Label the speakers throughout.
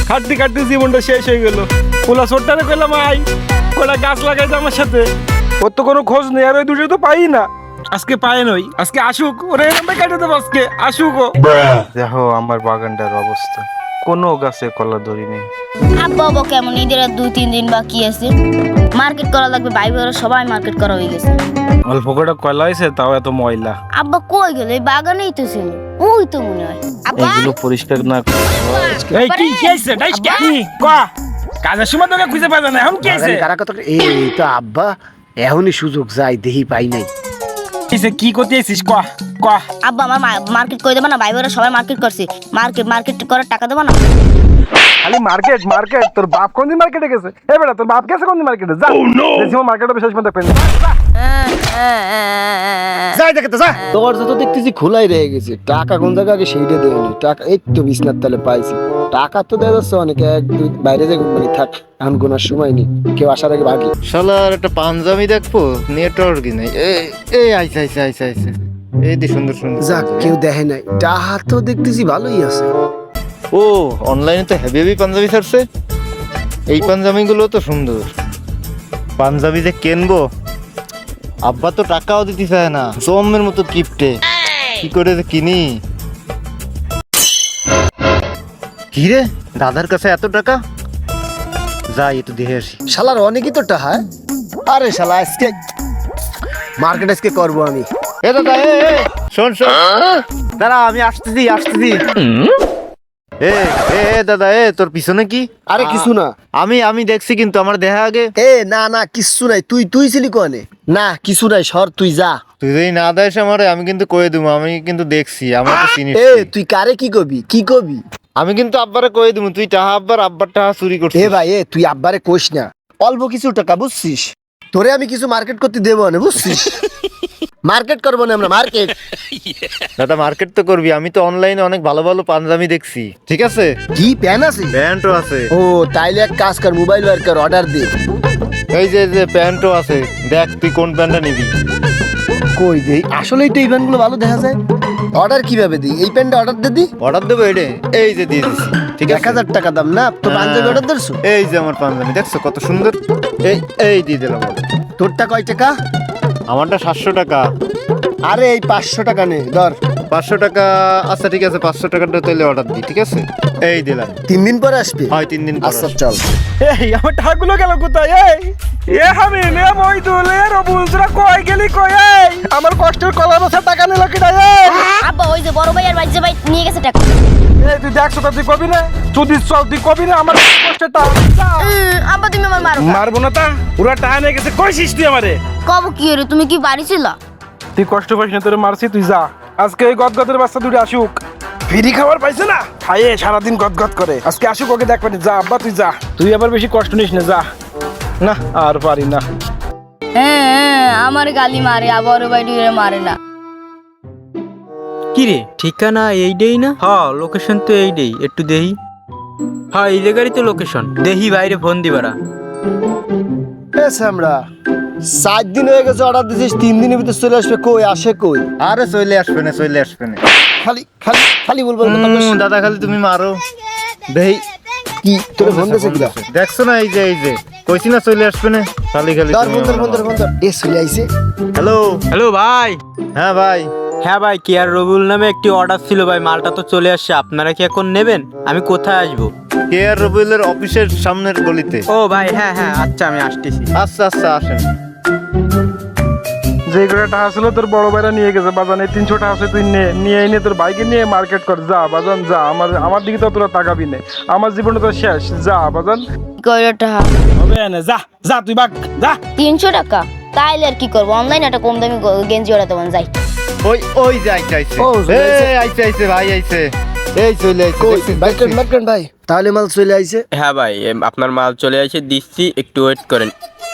Speaker 1: খাটতে খাটতে জীবনটা শেষ হয়ে গেল। ওলা ছোট্টারে কইলাম আই, ওরা গাছ লাগাইছে আমার সাথে, ওর তো কোনো খোঁজ নেই, আর ওই দুটো তো পাই না। আজকে পায় নই, আজকে আসুক, ওরে এরকম কেটে দেবো আজকে, আসুক ও। দেখো আমার বাগানটার অবস্থা, কোনো গাছে কলা ধরি নেই।
Speaker 2: আব্বা বাবা কেমন, ঈদের আর 2-3 দিন বাকি আছে, মার্কেট করা লাগবে। ভাই বোনেরা সবাই মার্কেট করা হয়ে গেছে।
Speaker 1: অল্প করে কলা হয়েছে, তাও এত ময়লা।
Speaker 2: আব্বা কই গেল? এই বাগানেই তো ছিল, ওই তো মনে হয়। আব্বা
Speaker 1: এগুলো পরিষ্কার না। এই কি কি হইছে? ডাইস কি কয়া কাজের সময় তোকে খুঁজে পাওয়া যায় না, এখন কি হইছে?
Speaker 3: কারা কথা এই তো আব্বা এখনই সুযোগ যাই দেহি পাই নাই।
Speaker 1: কিসে কি করতে আইছিস কয়া কয়া?
Speaker 2: আব্বা আমার মার্কেট করে দেবো না? ভাই বোনেরা সবাই মার্কেট করছে, মার্কেট করার টাকা দেবো না?
Speaker 1: খালি মার্কেট মার্কেট, তোর বাপ কোন দিন মার্কেটে গেছে? এই বেটা তোর বাপ গেছে কোন দিন মার্কেটে? যা দেখছিস মার্কেটে বিশেষ মতো পেন।
Speaker 3: যাই দেখে তো যা। তোর তো দেখতেছি খোলাই রয়ে গেছে, টাকা কোন জায়গা আগে সেইটা দেয়নি। টাকা এই তো বিছনার তলে পাইছি, টাকা তো দেওয়া যাচ্ছে অনেকে, এক দুই বাইরে যাই মানে থাক, এখন গোনার সময় নেই, কেউ আসার আগে ভাগি।
Speaker 4: শালার একটা পাঞ্জাবি দেখবো, নেটওয়ার্কই নাই। এই আইছে আইছে আইছে আইছে, এই দি সুন্দর সুন্দর।
Speaker 3: যাক কেউ দেখে নাই, টাকা তো দেখতেছি ভালোই আছে।
Speaker 4: ও অনলাইনে তো হেভি হেভি পাঞ্জাবি ছাড়ছে, এই পাঞ্জাবি গুলো তো সুন্দর। পাঞ্জাবি যে কিনবো, আব্বা তো টাকাও দিতে চায় না, জমের মতো কিপটে, কি করে যে কিনি। কি রে, দাদার কাছে এত টাকা, যাই একটু দেখে আসি।
Speaker 3: শালার অনেকই তো টাকা। আরে শালা আজকে মার্কেট আজকে করবো আমি।
Speaker 4: এ দাদা শোন শোন, দাঁড়া আমি আসতেছি আসতেছি। এ এ এ দাদা, তোর পিছনে কি?
Speaker 3: আরে কিছু না,
Speaker 4: আমি দেখছি কিন্তু আমার দেখা আগে।
Speaker 3: না না কিচ্ছু নাই, তুই ছিলি কোনে? না কিছু নাই, সর তুই যা।
Speaker 4: তুই যদি না দেয় আমারে, আমি কিন্তু কয়ে দেবো, আমি কিন্তু দেখছি, আমার তো চিনিস।
Speaker 3: তুই কারে কি কবি?
Speaker 4: আমি কিন্তু আব্বারে কয়ে দেবো, তুই টাহা আব্বার টাহা চুরি করছিস।
Speaker 3: ভাই তুই আব্বারে কোষ না, অল্প কিছু টাকা বুঝছিস, তোরে আমি কিছু মার্কেট করতে দেবো না বুঝছিস। মার্কেট করবো না আমরা, মার্কেট।
Speaker 4: দাদা মার্কেট তো করবি, আমি তো অনলাইনে অনেক ভালো ভালো পাঞ্জাবি দেখছি, ঠিক আছে?
Speaker 3: কি প্যান আছে?
Speaker 4: প্যান্টও আছে।
Speaker 3: ও তাইলে এক কাজ কর, মোবাইল বার কর, অর্ডার দে।
Speaker 4: এই যে প্যান্টও আছে, দেখ তুই কোন প্যান্টটা নিবি।
Speaker 3: কই দেই, আসলেই তো এই প্যান্টগুলো ভালো দেখা যায়। অর্ডার কিভাবে দিই? এই প্যান্টটা অর্ডার দি।
Speaker 4: অর্ডার দেবো এডে, এই যে দিয়ে দিচ্ছি, ঠিক আছে?
Speaker 3: 1000 টাকা দাম না তো পাঞ্জাবি অর্ডার দিছো?
Speaker 4: এই যে আমার পাঞ্জাবি দেখছো কত সুন্দর, এই দিয়ে দিলাম।
Speaker 3: তোরটা কয় টাকা?
Speaker 4: আমারটা 700 টাকা।
Speaker 3: আরে এই 500 টাকা নে ধর।
Speaker 4: 500 টাকা, আচ্ছা ঠিক আছে, 500 টাকাটা তাহলে অর্ডার দিই, ঠিক আছে? এই দিলাম।
Speaker 3: 3 দিন পরে আসবে?
Speaker 4: হয় 3 দিন পর
Speaker 3: আচ্ছা
Speaker 4: আসবে।
Speaker 3: চল।
Speaker 1: এই আমার টাকাগুলো গেল কোথায়? আমি নে মইদুল রবুল তোরা কই গেলি কই? আমার কষ্টের কলা বছর টাকা নিল কিনা?
Speaker 2: আব্বা ওই যে বড় ভাই আর ভাই যে ভাই নিয়ে গেছে টাকা।
Speaker 1: তুই দেখছো তো, তুই কবি না, তুই কবি না আমার কষ্টের টাকা।
Speaker 2: আব্বা তুমি আমার মারো।
Speaker 1: মারবো না, তা ওরা টাকা নিয়ে গেছে, কইছিস তুই আমারে?
Speaker 2: কব কি রে, তুমি কি বাড়ি ছিল?
Speaker 1: তুই কষ্ট পাইস না, তোরে মারছি, তুই যা। আজকে ওই গদগদের বাচ্চা দুটো আসুক, ফ্রি খাবার পাইছে না, খাইয়ে সারাদিন গদগদ করে। আজকে আসুক, ওকে দেখ পানি। যা আব্বা তুই যা, তুই আবার বেশি কষ্ট নিস না, যা। না আর পারি না।
Speaker 2: আমার গালি মারে, আবার ভাই মারে না।
Speaker 5: কিরে ঠিকানা এইটাই না? লোকেশন তো এইটাই, একটু দেহি। এই জায়গারই তো লোকেশন, দেহি বাইরে ফোন দিবারা।
Speaker 3: আমরা 7 দিন হয়ে গেছে অর্ডার দিছিস, 3 দিনের ভিতর চলে আসবে, কই আসে কই?
Speaker 4: আরে চলে আসবে না, চলে আসবে না।
Speaker 3: খালি খালি খালি বলবো
Speaker 4: দাদা খালি তুমি মারো দেই।
Speaker 3: কি তোরে ফোন দিছে কিরা?
Speaker 4: দেখছো না, এই যে কইছি না চলে আসবে না, খালি খালি
Speaker 3: ধর ফোন ধর। চলে আইছে।
Speaker 4: হ্যালো
Speaker 5: হ্যালো ভাই।
Speaker 4: হ্যাঁ ভাই।
Speaker 5: হ্যাঁ ভাই, কেয়ার রবিউল নামে একটি অর্ডার ছিল ভাই, মালটা তো চলে আসছে, আপনারা কি এখন নেবেন? আমি কোথায় আসবো?
Speaker 4: কেয়ার রবিউলের অফিসের সামনের গলিতে।
Speaker 5: ও ভাই হ্যাঁ আচ্ছা আমি আসতেছি।
Speaker 4: আচ্ছা আসেন।
Speaker 1: যে করে টাকা ছিল তোর বড় ভাইরা নিয়ে গেছে বাজান, এই 300 টাকা আছে, তুই নিয়ে এনে তোর ভাইকে নিয়ে মার্কেট কর, যা বাজান যা। আমার দিকে তো তোরা তাকাবি না, আমার জীবনটা তো শেষ, যা বাজান।
Speaker 2: কয়টা টাকা
Speaker 1: হবে না, যা যা তুই বাগ যা।
Speaker 2: 300 টাকা, তাইলে আর কি করবো, অনলাইনে একটা কম দামি গেঞ্জি অর্ডার দেবো, যাই।
Speaker 4: ওই যে আইছে
Speaker 3: ও, চলে আইছে।
Speaker 4: আইছে ভাই আইছে, এই চলে আইছে।
Speaker 3: কই
Speaker 4: দেখছিস,
Speaker 3: মার্কেট ভাই, তাহলে মাল চলে আইছে।
Speaker 5: হ্যাঁ ভাই, আপনার মাল চলে আসে, দিচ্ছি, একটু ওয়েট করেন।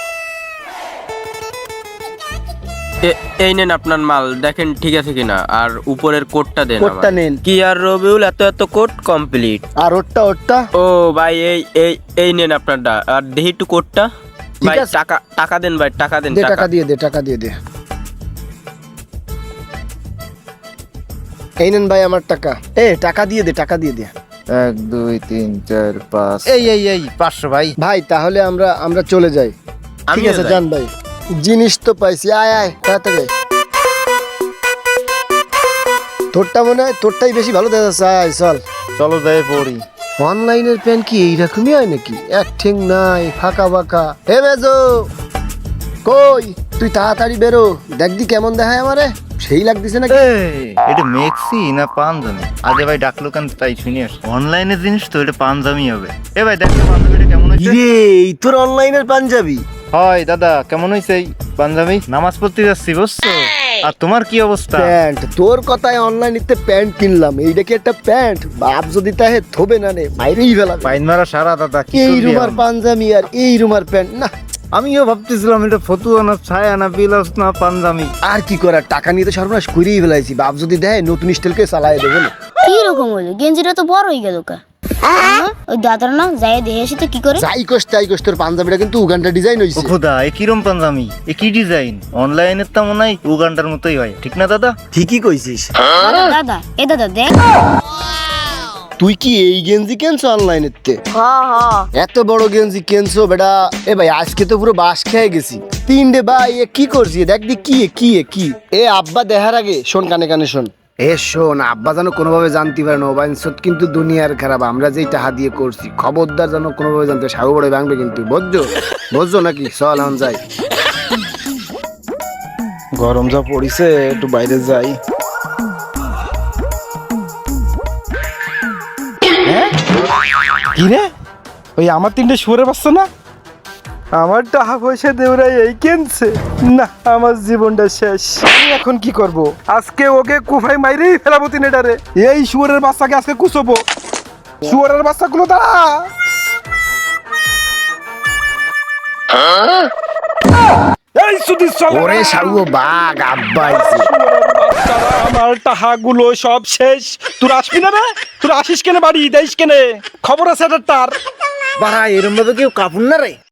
Speaker 5: এই নেন আপনার মাল, দেখেন ঠিক আছে কিনা, আর উপরের কোডটা দেন।
Speaker 3: কোডটা নেন।
Speaker 5: কি আর রবিউল, এত কোড কমপ্লিট।
Speaker 3: আর ওরটা
Speaker 5: ও ভাই এই নেন আপনারটা, আর দেখি একটু কোডটা। ভাই
Speaker 3: আছে।
Speaker 5: টাকা দেন ভাই, টাকা দেন।
Speaker 3: দে, টাকা দিয়ে দে। এই নেন ভাই আমার টাকা। টাকা দিয়ে দে।
Speaker 4: 1 2 3 4 5 এই 500 ভাই।
Speaker 3: ভাই তাহলে আমরা চলে যাই। ঠিক আছে জান ভাই, জিনিস তো পাইছি। আয় আয় তাড়াতাড়ি আয়। তোরটা মনে হয় তোরটাই বেশি ভালো দেখা যাচ্ছে। আয় চল।
Speaker 4: চলো যাই পড়ি।
Speaker 3: অনলাইনের প্যান্ট কি এইরকমই হয় নাকি? এক ঠেং নাই, ফাঁকা ফাঁকা। হে বেজো, কই তুই তাড়াতাড়ি বেরো, দেখদি কেমন দেখায় আমারে, সেই লাগতেছে নাকি?
Speaker 4: এটা মেক্সি না পাঞ্জাবি? আগে ভাই ডাকলো কেন তাই শুনি আস। অনলাইনের জিনিস তো এটা পাঞ্জাবি হবে। এ ভাই দেখ তো পাঞ্জাবিটা কেমন হয়েছে।
Speaker 3: রে এই তোর অনলাইনের পাঞ্জাবি?
Speaker 4: হয় দাদা কেমন হয়েছে এই পাঞ্জাবি? নামাজ পড়তে যাচ্ছি বুঝছো। আর তোমার কি অবস্থা?
Speaker 3: প্যান্ট তোর কথায় অনলাইনেতে প্যান্ট কিনলাম, এইটা কি একটা প্যান্ট? বাপ যদি তাহে থবে না নে, বাইরেই ফেলাবে।
Speaker 4: পাইন মারা সারা দাদা কি
Speaker 3: এই
Speaker 4: করবি
Speaker 3: রুমার
Speaker 4: এখন?
Speaker 3: পাঞ্জাবি আর এই রুমার প্যান্ট না।
Speaker 4: আমিও ভাবতেছিলাম এটা ফতুয়া না ছায়া না বিলাস না পাঞ্জাবি।
Speaker 3: আর কি করার, টাকা নিয়ে তো সর্বনাশ করেই ফেলাইছি। বাপ যদি দেয় নতুন স্টাইলকে চালায় দেবে না।
Speaker 2: কি রকম হলো, গেঞ্জিটা তো বড় হয়ে গেল কা। ওই দাদার না যাই দেখে আসি তো কি করে।
Speaker 3: যাই কোস তাই কোস, তোর পাঞ্জাবিটা কিন্তু উগান্ডা ডিজাইন
Speaker 4: ও
Speaker 3: হইছে।
Speaker 4: খোদা এ কিরম পাঞ্জাবি, এ কি ডিজাইন? অনলাইনের তো মনে হয় উগান্ডার মতোই হয়, ঠিক না দাদা?
Speaker 3: ঠিকই কইছিস।
Speaker 2: দাদা এ দাদা দেখ।
Speaker 3: তুই কি এই গেঞ্জি কেনছো অনলাইনেতে? এত বড় গেঞ্জি কেনছো বেটা? এ ভাই আজকে তো পুরো বাস খেয়ে গেছি। 3 ভাই এ কি করছি দেখ দি, কি এ আব্বা দেখার আগে শোন, কানে কানে শোন। এ শোন, আব্বা যেন কোনোভাবে জানতে পারে না ওবাইনসত কিন্তু দুনিয়ার খারাপ। আমরা যেই টাকা দিয়ে করছি, খবরদার যেন কোনোভাবে জানতে, সাগু বড় ভাঙবে কিন্তু, বুঝছো নাকি? চল এখন যাই।
Speaker 1: গরম যা পড়িছে, একটু বাইরে যাই। কি রে, ওই আমার 3টে শুয়োরের বাচ্চা না? আমার টাকা পয়সা দেওরাই এই কেনছে না, আমার জীবনটা শেষ। আমি এখন কি করব? আজকে ওকে কুফাই মাইরেই ফেলাবো তিনেটারে। এই শুয়োরের বাচ্চাকে আজকে কুচবো। শুয়োরের বাচ্চাগুলো দাঁড়া। এই সুদি চল।
Speaker 3: ওরে সাগু বাঘ, আব্বা আইছে।
Speaker 1: আমার টাকাগুলো সব শেষ। তোর আসবি না রে? তোর আসিস কেনে বাড়ি দেশ কেনে? খবর আছে এটার তার।
Speaker 4: বাড়া এরম ভাবে কেউ কাপুন না রে।